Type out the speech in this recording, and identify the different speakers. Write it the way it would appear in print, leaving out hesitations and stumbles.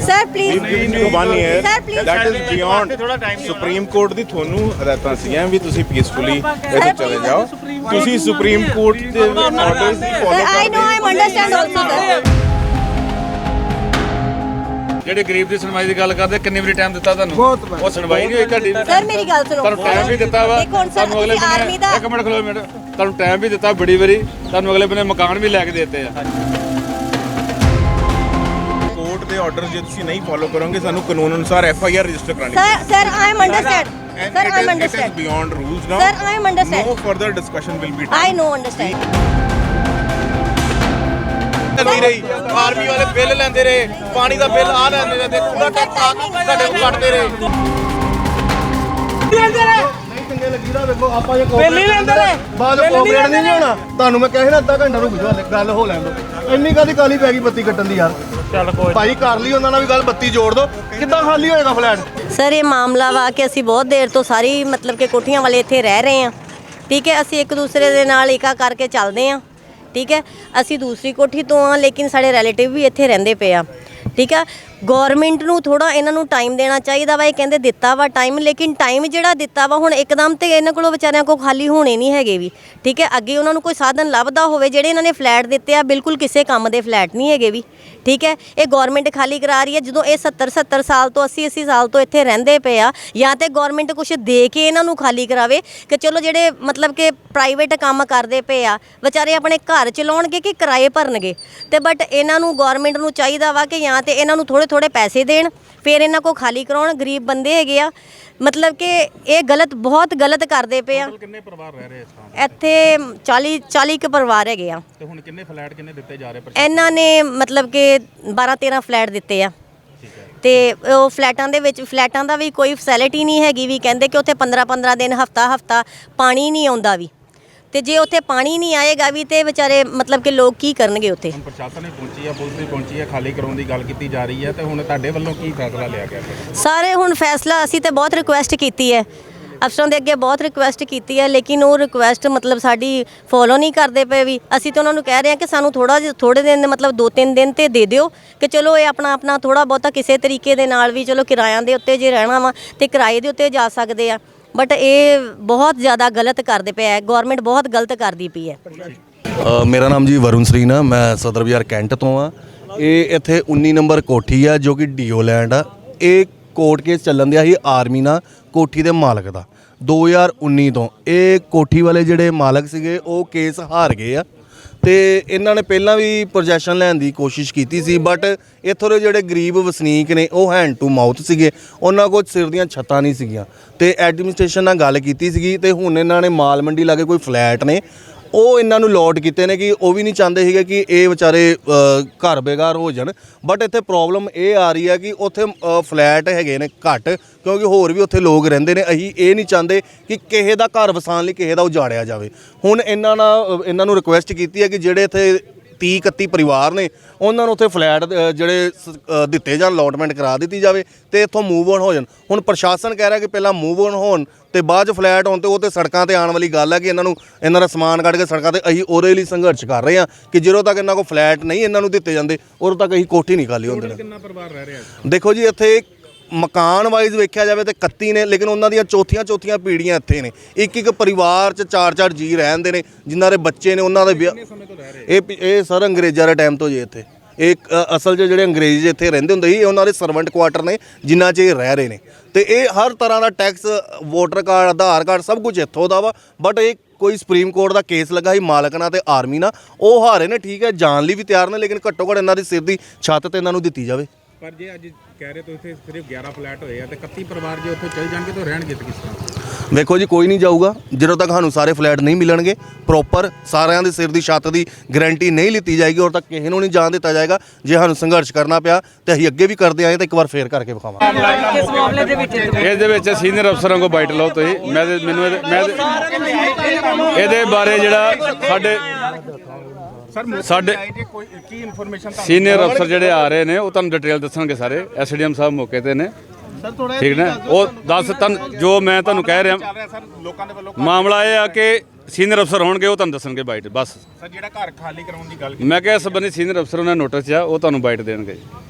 Speaker 1: Sir, please.
Speaker 2: One year.
Speaker 1: Sir, please.
Speaker 2: That is beyond Supreme Court ਦੀ ਤੁਹਾਨੂੰ ਹਦਾਇਤਾਂ ਸੀਗੀਆਂ ਵੀ ਤੁਸੀਂ ਪੀਸਫੁਲੀ ਇੱਥੇ ਚਲੇ ਜਾਓ। ਤੁਸੀਂ ਸੁਪਰੀਮ ਕੋਰਟ ਦੇ ਆਰਡਰਸ ਦੀ
Speaker 1: Sir,
Speaker 2: follow
Speaker 1: I know, I understand also, sir.
Speaker 3: ਜਿਹੜੇ ਗਰੀਬ ਦੀ ਸੁਣਵਾਈ ਦੀ ਗੱਲ ਕਰਦੇ ਕਿੰਨੀ ਵਾਰੀ ਟਾਈਮ ਦਿੱਤਾ ਤੁਹਾਨੂੰ? ਉਹ ਸੁਣਵਾਈ ਨਹੀਂ ਹੋਈ ਤੁਹਾਡੀ।
Speaker 1: Sir, ਮੇਰੀ ਗੱਲ ਸੁਣੋ।
Speaker 3: ਤੁਹਾਨੂੰ ਟਾਈਮ ਵੀ ਦਿੱਤਾ ਵਾ
Speaker 1: ਦੇਖੋ ਹੁਣ sir,
Speaker 3: ਤੁਹਾਨੂੰ ਅਗਲੇ
Speaker 1: ਤੁਸੀਂ ਆਰਮੀ ਦਾ
Speaker 3: ਇੱਕ ਮਿੰਟ ਖਲੋ ਮਿੰਟ ਤੁਹਾਨੂੰ ਟਾਈਮ ਵੀ ਦਿੱਤਾ ਬੜੀ ਵਾਰੀ ਤੁਹਾਨੂੰ ਅਗਲੇ ਬੰਨੇ ਮਕਾਨ ਵੀ ਲੈ ਕੇ ਦਿੱਤੇ ਆ।
Speaker 2: ਕੋਰਟ ਦੇ ਆਰਡਰ ਜੇ ਤੁਸੀਂ ਨਹੀਂ ਫੋਲੋ ਕਰੋਗੇ ਸਾਨੂੰ ਕਾਨੂੰਨ ਅਨੁਸਾਰ FIR ਰਜਿਸਟਰ ਕਰਾਣੀ
Speaker 1: Sir, I am understand. Sir, I am
Speaker 2: It is
Speaker 1: understand.
Speaker 2: beyond rules now.
Speaker 1: Sir, I am understand.
Speaker 2: No further discussion will be done.
Speaker 1: I know, understand.
Speaker 4: ਨਹੀਂ ਰਹੀ ਆਰਮੀ ਵਾਲੇ ਬਿੱਲ ਲੈਂਦੇ ਰਹੇ ਪਾਣੀ ਦਾ ਬਿੱਲ ਆ ਲੈਂਦੇ ਰਹੇ ਤੇ ਪੂਰਾ ਟੈਕਸ ਆ ਸਾਡੇ ਕੋਲ ਕੱਟਦੇ ਰਹੇ ਨਹੀਂ ਚੰਗੇ ਲੱਗੀ ਦਾ ਵੇਖੋ ਆਪਾਂ ਜੇ ਬਿੱਲ ਹੀ ਲੈਂਦੇ ਰਹੇ ਬਾਅਦ ਕੋਆਪਰੇਟ ਨਹੀਂ ਹੋਣਾ ਤੁਹਾਨੂੰ ਮੈਂ ਕਿਹਾ ਸੀ ਨਾ ਅੱਧਾ ਘੰਟਾ ਰੁਕ ਜਾਓ ਗੱਲ ਹੋ ਲੈਣ ਦਿਓ ਇੰਨੀ ਕਾਦੀ ਕਾਲੀ ਪੈ ਗਈ ਬੱਤੀ ਕੱਟਣ ਦੀ ਯਾਰ ਚੱਲ ਕੋਈ ਭਾਈ ਕਰ ਲਈ ਉਹਨਾਂ ਨਾਲ ਵੀ ਗੱਲ ਬੱਤੀ ਜੋੜ ਦਿਓ ਕਿੱਦਾਂ ਖਾਲੀ ਹੋਏਗਾ ਫਲੈਟ
Speaker 1: ਸਰ ਇਹ ਮਾਮਲਾ ਵਾ ਕਿ ਅਸੀਂ ਬਹੁਤ ਦੇਰ ਤੋਂ ਸਾਰੀ ਮਤਲਬ ਕਿ ਕੋਠੀਆਂ ਵਾਲੇ ਇੱਥੇ ਰਹਿ ਰਹੇ ਹਾਂ ਠੀਕ ਹੈ ਅਸੀਂ ਇੱਕ ਦੂਸਰੇ ਦੇ ਨਾਲ ਏਕਾ ਕਰਕੇ ਚੱਲਦੇ ਹਾਂ ਠੀਕ ਹੈ ਅਸੀਂ ਦੂਸਰੀ ਕੋਠੀ ਤੋਂ ਆ ਲੇਕਿਨ ਸਾਡੇ ਰਿਲੇਟਿਵ ਵੀ ਇੱਥੇ ਰਹਿੰਦੇ ਪਏ ਆ ਠੀਕ ਹੈ ਗਵਰਨਮੈਂਟ ਨੂੰ ਥੋੜਾ ਇਹਨਾਂ ਨੂੰ ਟਾਈਮ ਦੇਣਾ ਚਾਹੀਦਾ ਵਾ ਇਹ ਕਹਿੰਦੇ ਦਿੱਤਾ ਵਾ ਟਾਈਮ ਲੇਕਿਨ ਟਾਈਮ ਜਿਹੜਾ ਦਿੱਤਾ ਵਾ ਹੁਣ ਇੱਕਦਮ ਤੇ ਇਹਨਾਂ ਕੋਲੋਂ ਵਿਚਾਰਿਆਂ ਕੋਲ ਖਾਲੀ ਹੋਣੇ ਨਹੀਂ ਹੈਗੇ ਵੀ ਠੀਕ ਹੈ ਅੱਗੇ ਉਹਨਾਂ ਨੂੰ ਕੋਈ ਸਾਧਨ ਲੱਭਦਾ ਹੋਵੇ ਜਿਹੜੇ ਇਹਨਾਂ ਨੇ ਫਲੈਟ ਦਿੱਤੇ ਆ ਬਿਲਕੁਲ ਕਿਸੇ ਕੰਮ ਦੇ ਫਲੈਟ ਨਹੀਂ ਹੈਗੇ ਵੀ ਠੀਕ ਹੈ ਇਹ ਗਵਰਨਮੈਂਟ ਖਾਲੀ ਕਰਾ ਰਹੀ ਹੈ ਜਦੋਂ ਇਹ 70 ਸਾਲ ਤੋਂ 80 ਸਾਲ ਤੋਂ ਇੱਥੇ ਰਹਿੰਦੇ ਪਏ ਆ ਜਾਂ ਤੇ ਗਵਰਨਮੈਂਟ ਕੁਝ ਦੇ ਕੇ ਇਹਨਾਂ ਨੂੰ ਖਾਲੀ ਕਰਾਵੇ ਕਿ ਚਲੋ ਜਿਹੜੇ ਮਤਲਬ ਕਿ ਪ੍ਰਾਈਵੇਟ ਕੰਮ ਕਰਦੇ ਪਏ ਆ ਵਿਚਾਰੇ ਆਪਣੇ ਘਰ ਚਲਾਉਣਗੇ ਕਿ ਕਿਰਾਏ ਭਰਨਗੇ ਤੇ ਬਟ ਇਹਨਾਂ ਨੂੰ ਗਵਰਨਮੈਂਟ ਨੂੰ ਚਾਹੀਦਾ ਵਾ ਕਿ ਜਾਂ ਤੇ ਇਹਨਾਂ ਨੂੰ ਥੋੜੇ ਪੈਸੇ ਦੇਣ ਫਿਰ ਇਹਨਾਂ ਕੋ ਖਾਲੀ ਕਰਾਉਣ ਗਰੀਬ ਬੰਦੇ ਹੈਗੇ ਆ ਮਤਲਬ ਕਿ ਇਹ ਗਲਤ ਬਹੁਤ ਗਲਤ ਕਰਦੇ ਪਏ ਆ
Speaker 3: ਕਿੰਨੇ ਪਰਿਵਾਰ ਰਹਿ ਰਹੇ ਇਸ ਥਾਂ
Speaker 1: ਇੱਥੇ 40 ਕੁ ਪਰਿਵਾਰ ਹੈਗੇ ਆ
Speaker 3: ਤੇ ਹੁਣ ਕਿੰਨੇ ਫਲੈਟ ਕਿੰਨੇ ਦਿੱਤੇ ਜਾ ਰਹੇ
Speaker 1: ਇਹਨਾਂ ਨੇ ਮਤਲਬ ਕਿ 12-13 ਫਲੈਟ ਦਿੱਤੇ ਆ ਤੇ ਉਹ ਫਲੈਟਾਂ ਦਾ ਵੀ ਕੋਈ ਫੈਸਿਲਿਟੀ ਨਹੀਂ ਹੈਗੀ ਵੀ ਕਹਿੰਦੇ ਕਿ ਉੱਥੇ 15 ਦਿਨ ਹਫਤਾ ਪਾਣੀ ਨਹੀਂ ਆਉਂਦਾ ਵੀ ਤੇ ਜੇ ਉੱਥੇ ਪਾਣੀ ਨਹੀਂ ਆਏਗਾ ਵੀ ਤੇ ਵਿਚਾਰੇ ਮਤਲਬ ਕਿ ਲੋਕ ਕੀ ਕਰਨਗੇ ਉੱਥੇ
Speaker 3: ਹੁਣ ਪ੍ਰਸ਼ਾਸਨ ਨੇ ਪਹੁੰਚੀ ਆ ਪੁਲਿਸ ਵੀ ਪਹੁੰਚੀ ਆ ਖਾਲੀ ਕਰਾਉਣ ਦੀ ਗੱਲ ਕੀਤੀ ਜਾ ਰਹੀ ਹੈ ਤੇ ਹੁਣ ਤੁਹਾਡੇ ਵੱਲੋਂ ਕੀ ਫੈਸਲਾ ਲਿਆ ਗਿਆ
Speaker 1: ਸਾਰੇ ਹੁਣ ਫੈਸਲਾ ਅਸੀਂ ਤੇ ਬਹੁਤ ਰਿਕੁਐਸਟ ਕੀਤੀ ਹੈ ਅਫਸਰਾਂ ਦੇ ਅੱਗੇ ਬਹੁਤ ਰਿਕੁਐਸਟ ਕੀਤੀ ਹੈ ਲੇਕਿਨ ਉਹ ਰਿਕੁਐਸਟ ਮਤਲਬ ਸਾਡੀ ਫੋਲੋ ਨਹੀਂ ਕਰਦੇ ਪਏ ਵੀ ਅਸੀਂ ਤਾਂ ਉਹਨਾਂ ਨੂੰ ਕਹਿ ਰਹੇ ਹਾਂ ਕਿ ਸਾਨੂੰ ਥੋੜੇ ਦਿਨ ਮਤਲਬ 2-3 ਦਿਨ ਤੇ ਦੇ ਦਿਓ ਕਿ ਚਲੋ ਇਹ ਆਪਣਾ ਥੋੜਾ ਬਹੁਤਾ ਕਿਸੇ ਤਰੀਕੇ ਦੇ ਨਾਲ ਵੀ ਚਲੋ ਕਿਰਾਇਆਂ ਦੇ ਉੱਤੇ ਜੇ ਰਹਿਣਾ ਵਾ ਤੇ ਕਿਰਾਏ ਦੇ ਉੱਤੇ ਜਾ ਸਕਦੇ ਆ ਬਟ ਇਹ ਬਹੁਤ ਜ਼ਿਆਦਾ ਗਲਤ ਕਰਦੇ ਪਿਆ ਹੈ ਗਵਰਨਮੈਂਟ ਬਹੁਤ ਗਲਤ ਕਰਦੀ ਪਈ ਹੈ
Speaker 5: ਮੇਰਾ ਨਾਮ ਜੀ ਵਰੁਣ ਸਰੀਨ ਆ ਮੈਂ ਸਦਰ ਬਾਜ਼ਾਰ ਕੈਂਟ ਤੋਂ ਆ ਇਹ ਇੱਥੇ 19 ਨੰਬਰ ਕੋਠੀ ਆ ਜੋ ਕਿ ਡੀਓ ਲੈਂਡ ਆ ਇਹ ਕੋਰਟ ਕੇਸ ਚੱਲਣ ਦਿਆ ਸੀ ਆਰਮੀ ਨਾਲ ਕੋਠੀ ਦੇ ਮਾਲਕ ਦਾ 2019 ਤੋਂ ਇਹ ਕੋਠੀ ਵਾਲੇ ਜਿਹੜੇ ਮਾਲਕ ਸੀਗੇ ਉਹ ਕੇਸ ਹਾਰ ਗਏ ਆ ਤੇ ਇਹਨਾਂ ਨੇ ਪਹਿਲਾਂ ਵੀ ਪੋਜੈਸ਼ਨ ਲੈਣ ਦੀ ਕੋਸ਼ਿਸ਼ ਕੀਤੀ ਸੀ ਬਟ ਇੱਥੋਂ ਦੇ ਜਿਹੜੇ ਗਰੀਬ ਵਸਨੀਕ ਨੇ ਉਹ ਹੈਂਡ ਟੂ ਮਾਊਥ ਸੀਗੇ ਉਹਨਾਂ ਕੋਲ ਸਿਰ ਦੀਆਂ ਛੱਤਾਂ ਨਹੀਂ ਸੀਗੀਆਂ ਤੇ ਐਡਮਿਨਿਸਟ੍ਰੇਸ਼ਨ ਨਾਲ ਗੱਲ ਕੀਤੀ ਸੀਗੀ ਤੇ ਹੁਣ ਇਹਨਾਂ ਨੇ ਮਾਲ ਮੰਡੀ ਲਾਗੇ ਕੋਈ ਫਲੈਟ ਨੇ ਉਹ ਇਹਨਾਂ ਨੂੰ ਲੋਟ ਕੀਤੇ ਨੇ ਕਿ ਉਹ ਵੀ ਨਹੀਂ ਚਾਹੁੰਦੇ ਸੀਗੇ ਕਿ ਇਹ ਵਿਚਾਰੇ ਘਰ ਬੇਘਰ ਹੋ ਜਾਣ ਬਟ ਇੱਥੇ ਪ੍ਰੋਬਲਮ ਇਹ ਆ ਰਹੀ ਹੈ ਕਿ ਉੱਥੇ ਫਲੈਟ ਹੈਗੇ ਨੇ ਘੱਟ ਕਿਉਂਕਿ ਹੋਰ ਵੀ ਉੱਥੇ ਲੋਕ ਰਹਿੰਦੇ ਨੇ ਅਸੀਂ ਇਹ ਨਹੀਂ ਚਾਹੁੰਦੇ ਕਿ ਕਿਸੇ ਦਾ ਘਰ ਵਸਾਉਣ ਲਈ ਕਿਸੇ ਦਾ ਉਜਾੜਿਆ ਜਾਵੇ ਹੁਣ ਇਹਨਾਂ ਨੂੰ ਰਿਕੁਐਸਟ ਕੀਤੀ ਹੈ ਕਿ ਜਿਹੜੇ ਇੱਥੇ 30-31 ਪਰਿਵਾਰ ਨੇ ਉਹਨਾਂ ਨੂੰ ਉੱਥੇ ਫਲੈਟ ਜਿਹੜੇ ਦਿੱਤੇ ਜਾਣ ਅਲੋਟਮੈਂਟ ਕਰਾ ਦਿੱਤੀ ਜਾਵੇ ਤੇ ਇੱਥੋਂ ਮੂਵ ਔਨ ਹੋ ਜਾਣ ਹੁਣ ਪ੍ਰਸ਼ਾਸਨ ਕਹਿ ਰਿਹਾ ਕਿ ਪਹਿਲਾਂ ਮੂਵ ਔਨ ਹੋਣ ਤੇ ਬਾਅਦ 'ਚ ਫਲੈਟ ਹੋਣ ਤੇ ਉਹ ਤੇ ਸੜਕਾਂ ਤੇ ਆਉਣ ਵਾਲੀ ਗੱਲ ਹੈ ਕਿ ਇਹਨਾਂ ਦਾ ਸਮਾਨ ਕੱਢ ਕੇ ਸੜਕਾਂ ਤੇ ਅਸੀਂ ਉਹਦੇ ਲਈ ਸੰਘਰਸ਼ ਕਰ ਰਹੇ ਹਾਂ ਕਿ ਜਦੋਂ ਤੱਕ ਇਹਨਾਂ ਕੋਲ ਫਲੈਟ ਨਹੀਂ ਇਹਨਾਂ ਨੂੰ ਦਿੱਤੇ ਜਾਂਦੇ ਉਦੋਂ ਤੱਕ ਅਸੀਂ ਕੋਠੀ ਨਹੀਂ ਖਾਲੀ ਹੁੰਦੇ
Speaker 3: ਕਿੰਨਾ ਪਰਿਵਾਰ ਰਹਿ ਰਿਹਾ
Speaker 5: ਦੇਖੋ ਜੀ ਇੱਥੇ ਮਕਾਨ ਵਾਈਜ਼ ਵੇਖਿਆ ਜਾਵੇ ਤੇ 31 ਨੇ ਲੇਕਿਨ ਉਹਨਾਂ ਦੀਆਂ ਚੌਥੀਆਂ ਪੀੜ੍ਹੀਆਂ ਇੱਥੇ ਨੇ ਇੱਕ ਪਰਿਵਾਰ 'ਚ 4 ਜੀ ਰਹਿੰਦੇ ਨੇ ਜਿਨ੍ਹਾਂ ਦੇ ਬੱਚੇ ਨੇ ਉਹਨਾਂ ਦੇ ਇਹ ਸਰ ਅੰਗਰੇਜ਼ਾਂ ਦੇ ਟਾਈਮ ਤੋਂ ਜੀ ਇੱਥੇ ਇਹ ਅਸਲ 'ਚ ਜਿਹੜੇ ਅੰਗਰੇਜ਼ ਇੱਥੇ ਰਹਿੰਦੇ ਹੁੰਦੇ ਸੀ ਇਹ ਉਹਨਾਂ ਦੇ ਸਰਵੈਂਟ ਕੁਆਟਰ ਨੇ ਜਿਨ੍ਹਾਂ 'ਚ ਇਹ ਰਹਿ ਰਹੇ ਨੇ ਤੇ ਇਹ ਹਰ ਤਰ੍ਹਾਂ ਦਾ tax voter card Aadhaar card ਸਭ ਕੁਝ ਇੱਥੋਂ ਦਾ ਵਾ ਬਟ ਇਹ ਕੋਈ ਸੁਪਰੀਮ ਕੋਰਟ ਦਾ ਕੇਸ ਲੱਗਾ ਸੀ ਮਾਲਕ ਨਾਲ ਤੇ ਆਰਮੀ ਨਾਲ ਉਹ ਹਾਰੇ ਨੇ ਠੀਕ ਹੈ ਜਾਣ ਲਈ ਵੀ ਤਿਆਰ ਨੇ ਲੇਕਿਨ ਘੱਟੋ ਘੱਟ ਇਹਨਾਂ ਦੀ ਸਿਰ ਦੀ ਛੱਤ ਤੇ ਇਹਨਾਂ ਨੂੰ ਦਿੱਤੀ ਜਾਵੇ
Speaker 3: ਪਰ ਜੇ ਅੱਜ ਕਹਿ ਰਹੇ ਤੁਸੀਂ ਸਿਰਫ 11 ਫਲੈਟ ਹੋਏ ਆ ਤੇ 31 ਪਰਿਵਾਰ ਜੇ ਉੱਥੇ ਚਲ ਜਾਣਗੇ ਤਾਂ ਰਹਿਣਗੇ ਕਿਸ ਤਰ੍ਹਾਂ
Speaker 5: ਵੇਖੋ ਜੀ ਕੋਈ ਨਹੀਂ ਜਾਊਗਾ ਜਦੋਂ ਤੱਕ ਸਾਨੂੰ ਸਾਰੇ ਫਲੈਟ ਨਹੀਂ ਮਿਲਣਗੇ ਪ੍ਰੋਪਰ ਸਾਰਿਆਂ ਦੇ ਸਿਰ ਦੀ ਛੱਤ ਦੀ ਗਾਰੰਟੀ ਨਹੀਂ ਲਿੱਤੀ ਜਾਏਗੀ ਉਦੋਂ ਤੱਕ ਕਿਸੇ ਨੂੰ ਨਹੀਂ ਜਾਣ ਦਿੱਤਾ ਜਾਏਗਾ ਜੇ ਸਾਨੂੰ ਸੰਘਰਸ਼ ਕਰਨਾ ਪਿਆ ਤੇ ਅਸੀਂ ਅੱਗੇ ਵੀ ਕਰਦੇ ਆਏ ਤਾਂ ਇੱਕ ਵਾਰ ਫੇਰ ਕਰਕੇ ਵਿਖਾਵਾਂਗੇ
Speaker 3: ਇਸ ਦੇ ਵਿੱਚ ਸੀਨੀਅਰ ਅਫਸਰਾਂ ਕੋਲ ਬਾਈਟ ਲਓ ਤੁਸੀਂ ਇਹਦੇ ਬਾਰੇ ਜਿਹੜਾ ਸਾਡੇ
Speaker 2: ਕੀ ਇਨਫੋਰਮੇਸ਼ਨ
Speaker 3: ਸੀਨੀਅਰ ਅਫਸਰ ਜਿਹੜੇ ਆ ਰਹੇ ਨੇ ਉਹ ਤੁਹਾਨੂੰ ਡਿਟੇਲ ਦੱਸਣਗੇ ਸਾਰੇ ਐਸਡੀਐਮ ਸਾਹਿਬ ਮੌਕੇ ਤੇ ਨੇ ਠੀਕ ਨਾ ਉਹ ਦੱਸ ਤੁਹਾਨੂੰ ਜੋ ਮੈਂ ਤੁਹਾਨੂੰ ਕਹਿ ਰਿਹਾ
Speaker 2: ਲੋਕਾਂ ਦੇ ਵੱਲੋਂ
Speaker 3: ਮਾਮਲਾ ਇਹ ਆ ਕਿ ਸੀਨੀਅਰ ਅਫਸਰ ਹੋਣਗੇ ਉਹ ਤੁਹਾਨੂੰ ਦੱਸਣਗੇ ਬਾਈਟ ਬਸ
Speaker 2: ਸਰ ਜਿਹੜਾ ਘਰ ਖਾਲੀ ਕਰਾਉਣ ਦੀ ਗੱਲ
Speaker 3: ਮੈਂ ਕਿਹਾ ਇਸ ਸੰਬੰਧੀ ਸੀਨੀਅਰ ਅਫਸਰ ਉਹਨਾਂ ਨੋਟਿਸ ਆ ਉਹ ਤੁਹਾਨੂੰ ਬਾਈਟ ਦੇਣਗੇ